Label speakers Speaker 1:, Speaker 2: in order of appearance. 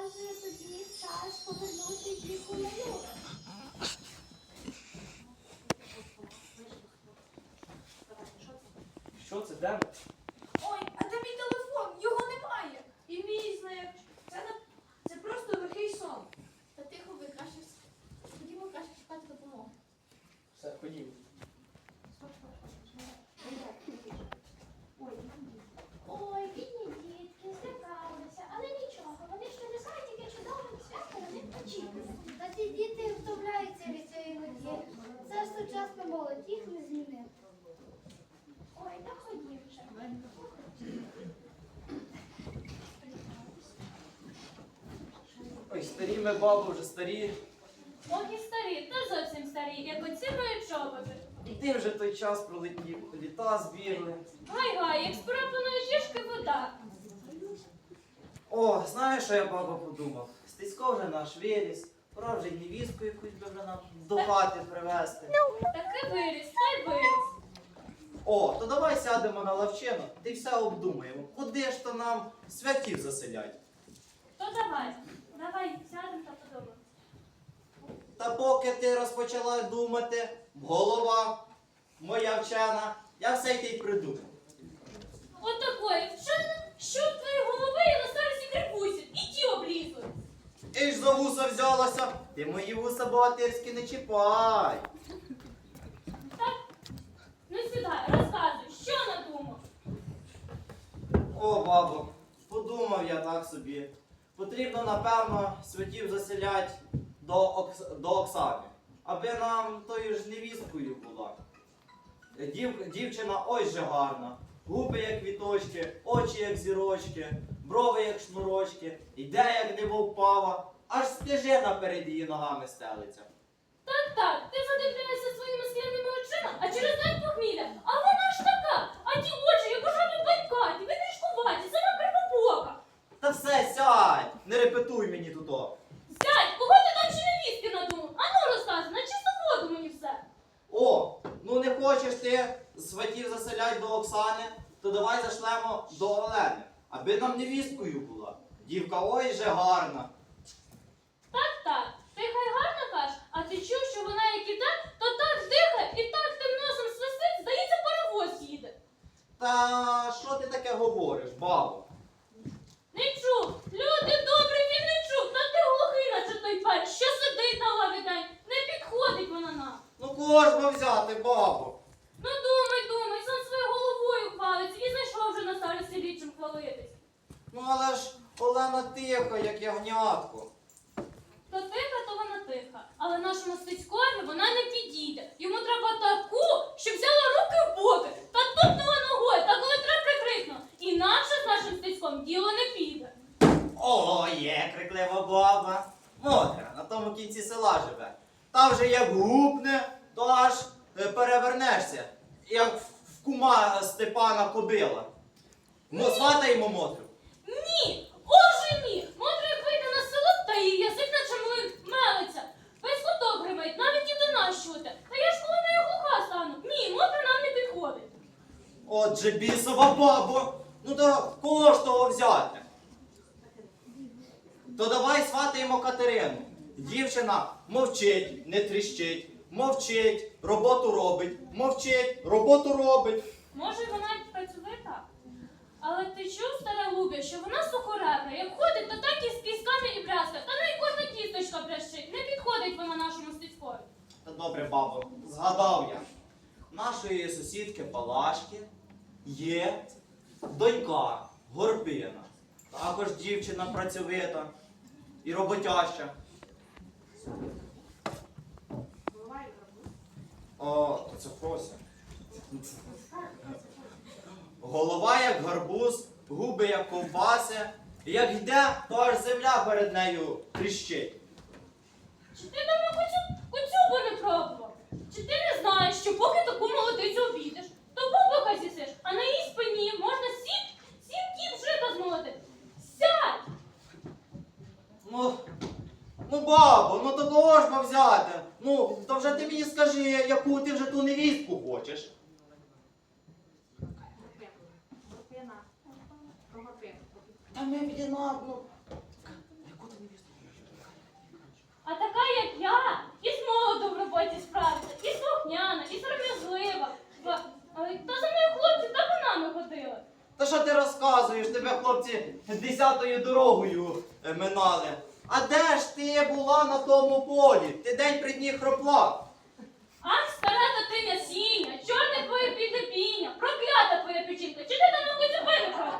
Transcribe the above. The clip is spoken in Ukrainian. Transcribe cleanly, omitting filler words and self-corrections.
Speaker 1: може тоді час повернути дівку на юг.
Speaker 2: Що це, де?
Speaker 3: Ой, а де мій телефон? Його немає. І мій знак. Це просто лихий сон.
Speaker 1: Та тихо ви, краще. Ходімо, краще шукати допомогу.
Speaker 2: Все, ходімо.
Speaker 1: Ой, бідні дітки, злякалися, але нічого, вони ж не знають, яке чудове свято на них очікує. Та ці діти втомляються від цієї воді. Це сучасна молодь, їх не змінив. Ой, та ходім вже.
Speaker 2: Ой, старі ми, бабу, вже старі.
Speaker 4: Ох і старі, та зовсім старі, як оці мої чоботи.
Speaker 2: Іди вже той час пролетів, літа збігли.
Speaker 4: Гай-гай, як з порапаної жішки вода.
Speaker 2: О, знаєш, що я, баба, подумав? Стецько вже наш виріс, пора вже й невістку якусь би вже нам до хати привезти.
Speaker 4: Таки виріс, та й виріс.
Speaker 2: О, то давай сядемо на лавчину, ти все обдумаємо. Куди ж то нам святів заселять?
Speaker 4: То давай, сядемо та подумаємо.
Speaker 2: Та поки ти розпочала думати, голова моя вчена, я все й ти й придумав.
Speaker 4: Отакої вчена, що в твоїй голови і на старості крикусять, і ті облізуть.
Speaker 2: І ж за вуса взялася, ти мої вуса богатирські не чіпай.
Speaker 4: Так, ну сідай, розказуй, що надумав?
Speaker 2: О, бабо, подумав я так собі. Потрібно, напевно, святів заселять до Оксани, аби нам тою ж невісткою була. Дівчина ой же гарна, губи як квіточки, очі як зірочки, брови як шнурочки, іде як невовпава, аж стежина перед її ногами стелиться.
Speaker 4: Так, ти задивляєшся своїми скляними очима, а через день похмілля. А вона ж така, а ті очі, як у жаби батькаті, витрішкуваті, сама кривобока.
Speaker 2: Та все, сядь, не репетуй мені тут.
Speaker 4: Сядь, кого ти там ще невістки надумав? Ану розказуй, на чисту воду мені все.
Speaker 2: О, ну не хочеш ти сватів заселять до Оксани, то давай зашлемо до Олени, аби нам невісткою була. Дівка ой же гарна.
Speaker 4: Так, ти хай гарно кажеш, а ти чув, що вона як іде, то так дихає і так тим носом свистить, здається, паровоз їде.
Speaker 2: Та що ти таке говориш, бабо?
Speaker 4: Не чув, люди добрі, він не чув, та ти глухий, наче той пень, що сидить на лаві день, не підходить вона нам.
Speaker 2: Ну кого ж би взяти, бабо?
Speaker 4: Ну думай, сам своєю головою хвалиться і знайшов вже на старості літ чим хвалитись.
Speaker 2: Ну але ж Олена тиха, як ягнятко.
Speaker 4: То вона тиха, але нашому Стецькові вона не підійде. Йому треба таку, щоб взяла руки в боки та тупнула ногою, та коли треба прикрикнула. Інакше з нашим Стецьком діло не піде.
Speaker 2: О, є криклива баба. Мотра, на тому кінці села живе. Та вже як гупне, то аж перевернешся, як в кума Степана кобила. Сватаємо Мотрю.
Speaker 4: Ні! Оже ні! Мотра як вийде на село, та її язик наче мелиться. Весь куток гримить, навіть і до нас чути. Та я ж коли нею глуха стану. Ні, Мотра нам не підходить.
Speaker 2: Отже, бісова бабо, ну то кого ж того взяти? То давай сватаємо Катерину. Дівчина мовчить, не тріщить, мовчить, роботу робить, мовчить, роботу робить.
Speaker 4: Може, вона й працьовита? Але ти чув, стара Лубя, що вона сухоребра, як ходить, то так і з кісками і брязка, та ну і кожна кісточка брящить. Не підходить вона нашому Стецькові.
Speaker 2: Та добре, бабо, згадав я. Нашої сусідки Палашки є донька Горпина. Також дівчина працьовита і роботяща. О, то це Фрося. Голова як гарбуз, губи як ковбаси. І як йде, то аж земля перед нею тріщить.
Speaker 4: Чи ти давно коцюбу не пробував? Чи ти не знаєш, що поки таку молодицю обійдеш, то бублика з'їсиш, а на її спині можна сім кіп жита змолотити? Сядь!
Speaker 2: Ну, бабо, ну то кого ж би взяти? Ну, то вже ти мені скажи, яку ти вже ту невістку хочеш. Та ми підемо, ну, яку ти
Speaker 4: я і з молоду в роботі справиться, і слухняна, і сором'язлива. Але та за мною хлопці табунами ходили.
Speaker 2: Та що ти розказуєш? Тебе хлопці 10-ю дорогою минали. А де ж ти була на тому полі? Ти день при дні хропла.
Speaker 4: Ах, стара татиня сіня, чорне твоє підлепіння, проклята твоя печінка, чи ти там на куцю